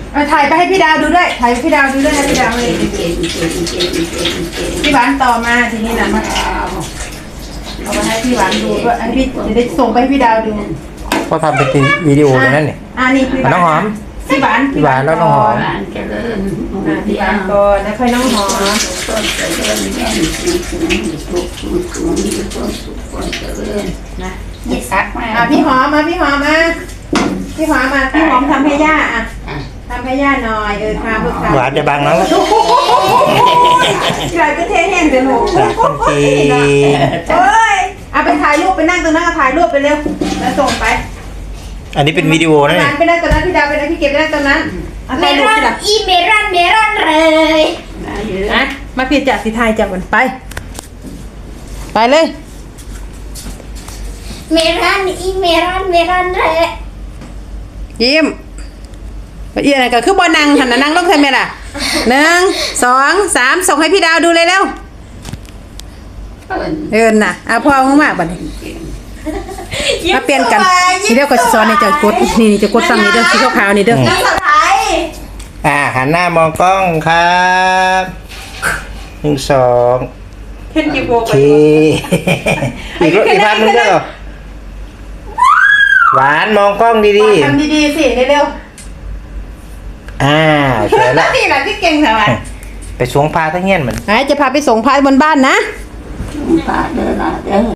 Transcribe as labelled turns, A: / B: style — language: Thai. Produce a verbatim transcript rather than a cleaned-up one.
A: ถ่ายไปให้พี่ดาวดูด้วยถ่ายพี่ดาวดูด้วยนะพี่ดาวเลยพี่หวานต่อมาทีนี้นะมาเอามาให้พี่หวานดูด้วยอันพี่จะได้ส่งไปให้พี่ดาวดู
B: ก็ทำเป็นวิดีโอเลยนั่นเนี่ย
A: อ่านี่พี่หวานน้องหอมพี่หวาน
B: พี่หวานแล้วน้องหอม
A: พี่หวานก่อนแล้วค่อยน้องหอมนะยิ่งซักมาอ่ะพี่หอมมาพี่หอมมาพี่หอมมาพี่หอมทำให้ย่าอ่ะทำให้ย่าหน่อยเออค่ะพวกเขา
B: หวานจะบังน้อง
A: ใครก็เทแห้งแต่หนู
B: คนจีน
A: เอ้ยเอาไปถ่ายรูปไปนั่งตรงนั้นถ่ายรูปไปเร็วแล้วส่งไป
B: อันนี้เป็นวิดีโอนะเนี่ย
A: ไปนั่งตรงนั้นพี่ดาวไปนั่งพี่เก็บไปนั่งตรงนั้น
C: เมรอนอีเมรอนเมรอนเลย
A: นะมาพี่จัดสีไทยจับมันไปไปเลย
C: เมรอนอีเมรอนเมรอนเลย
A: ยิ้มอีอะไรก็คือบอนังหันนั่งลงใช่ไหมล่ะหนึ่งสองสามส่งให้พี่ดาวดูเลยเร็วเอินน่ะเอาพ่อมากๆบัดนี้มาเปลี่ยนกันทีเดียวก็สอนในจะกดนี่จะกดฟังนี่เด้อสีขาวๆนี่เด้อ
B: อ่าหันหน้ามองกล้องครับหนึ่งสอง
A: เห็นกี่โบ
B: โอเคอีกรถอีกพันนึงเด้อหวานมองกล้องดี
A: ๆทำดีๆสิเร็ว
B: ๆอ่าสวยแล้ว
A: นี่แหละที่เก่งสบาย
B: ไปสวงพาทั้งเงี้ยนมัน
A: จะพาไปส่งพายบนบ้านนะ
C: พาเดินเดิน